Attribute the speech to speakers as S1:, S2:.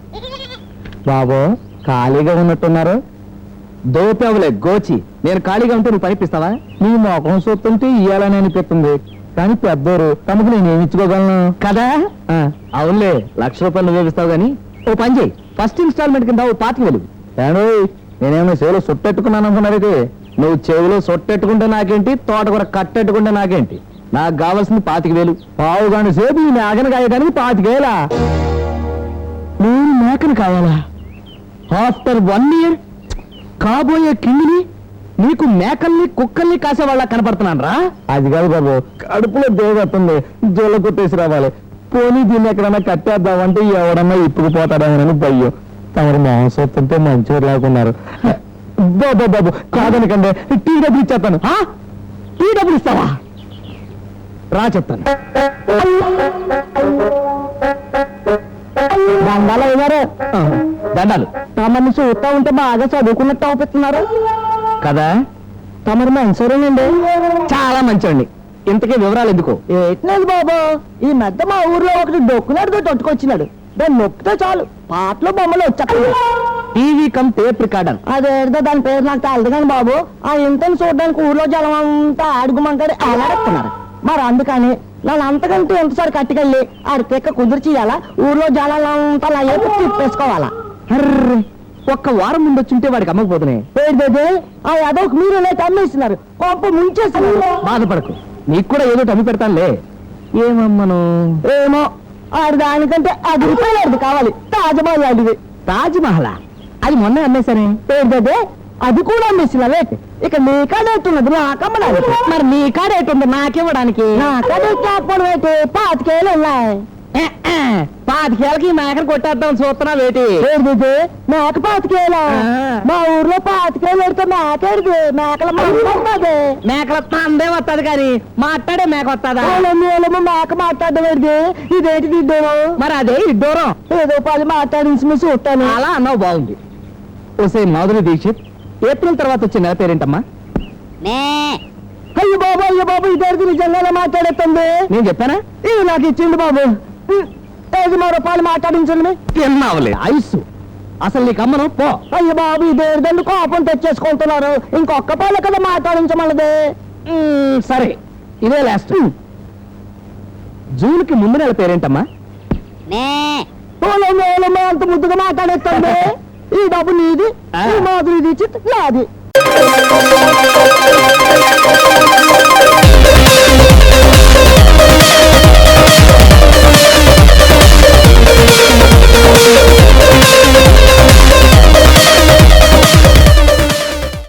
S1: బాబు ఖాళీగా ఉన్నట్టున్నారు. దోపేవలే గోచి, నేను ఖాళీగా ఉంటే నువ్వు పనిపిస్తావా? నీ మొఖం చూస్తుంటే ఇయ్యాలని అనిపిస్తుంది, కానీ పెద్దోరు తమకు నేనేమి ఇచ్చుకోగలను కదా. అవునులే, ₹1,00,000 నువ్వే ఇస్తావు గానీ ఓ పని చేయి, ఫస్ట్ ఇన్స్టాల్మెంట్ కింద ఓ 25,000. నేనేమో చెవిలో సొట్టెట్టుకున్నాను అనుకున్నారైతే. నువ్వు చెవిలో సొట్టెట్టుకుంటే నాకేంటి, తోటకూర కట్టెట్టుకుంటే నాకేంటి? నాకు కావాల్సింది 25,000. పావుగాని సేపు ఈ మేకను కాయడానికి 25,000. నేను మేకను కావాలా? ఆఫ్టర్ 1 year కాబోయే కింగిని నీకు మేకల్ని కుక్కల్ని కాసేవాళ్ళ కనపడుతున్నాను రా. అది కాదు బాబు, కడుపులో దేవతుంది, జోల కొట్టేసి రావాలి. పోనీ దీన్ని ఎక్కడన్నా కట్టేద్దామంటే ఎవడన్నా ఇప్పుకుపోతాడేమోనని భయ్యం. తమరు మాంసత్తుంటే మంచిగా లేకున్నారు. బాబు బాబు కాదనకండి, టీ డబ్బులు ఇచ్చేస్తాను. టీ డబ్బులు ఇస్తావా? రా చెప్తాను. దండాలు అయినారు. దండాలు. తమని చూస్తా ఉంటే బాగా చదువుకున్నట్టు అవుతున్నారు కదా. తమరు మంచోరేనండి, చాలా మంచోండి. ఇంతకీ వివరాలు ఎందుకు? ఏట్లేదు బాబు, ఈ మధ్య మా ఊర్లో ఒకటి డొక్కునాడుతో తొట్టుకొచ్చినాడు. దాన్ని నొక్కితే చాలు పాటలు బొమ్మలు వచ్చాయి. TV cum tape recorder. అదేదో దాని పేరు నాకు తెలదు కానీ బాబు, ఆ ఇంతని చూడడానికి ఊర్లో జనం అంతా ఆడుగుమంటారు ఎలాడుతున్నారు. మరి అందుకని నన్ను అంతకంటే ఎంతసారి కట్టుకెళ్ళి ఆడి తెక్క కుదిర్చియాలా, ఊర్లో జనాలంతా నా ఏపు తిప్పేసుకోవాలా. ఒక్క వారం ముందు వచ్చింటే వాడికి అమ్మకపోతున్నాయి. ఆ యాదవ్కి మీరు అమ్మేస్తున్నారు, కొంప ముంచేస్తున్నారు. బాధపడకు, నీకు కూడా ఏదో అమ్మి పెడతానులే. ఏమమ్మను? ఏమో, ఆడి దానికంటే ₹10 కావాలి. తాజ్మహల్ అడిగి. తాజ్మహల్ అది మొన్న అమ్మేశానే. పేరుదే అది కూడా అమ్మేసినవే. ఇక నీ కాడేట్టున్నది నాకమ్మడానికి. మరి నీ కాడేటుంది నాకివ్వడానికి? నా కాడేట్టు 25,000 ఉన్నాయి. 25,000కి మేకను కొట్టేద్దాం చూస్తున్నా వేటి. మేక 25,000? మా ఊర్లో 25,000 పెడితే మేకేది? మేకల మాట్లాడుతుంది. మేకల అందే వస్తుంది కానీ మాట్లాడే మేక వస్తుందా? మేక మాట్లాడేది ఇదేంటి ఇద్దరు? మరి అదే ఇద్దరం ఏదో 10 మాట్లాడించి చూస్తాను. అలా అన్నావు, బాగుంది. ఓసే మాధురి దీక్షిత్, ఏప్రిల్ తర్వాత వచ్చే నెల పేరేంటమ్మా? అయ్యో బాబు ఇద్దరికి నిజంగానే మాట్లాడేస్తుంది. నేను చెప్పానా? ఇది నాకు ఇచ్చింది బాబు. 5 రూపాయలు మాట్లాడించండి. తిన్నావులే ఐసు, అసలు నీకు అమ్మను పో. అయ్యో బాబు ఇదేదండి కోపం తెచ్చేసుకుంటున్నారు. ఇంకొక పాలు కదా మాట్లాడించమన్నది. సరే ఇదే లాస్ట్. జూన్కి ముందు నెల పేరేంటమ్మా? అంత ముద్దుగా మాట్లాడేస్తుంది. ఈ డబ్బు నీది, ఈ మాధురి దీక్షిత్ నాది.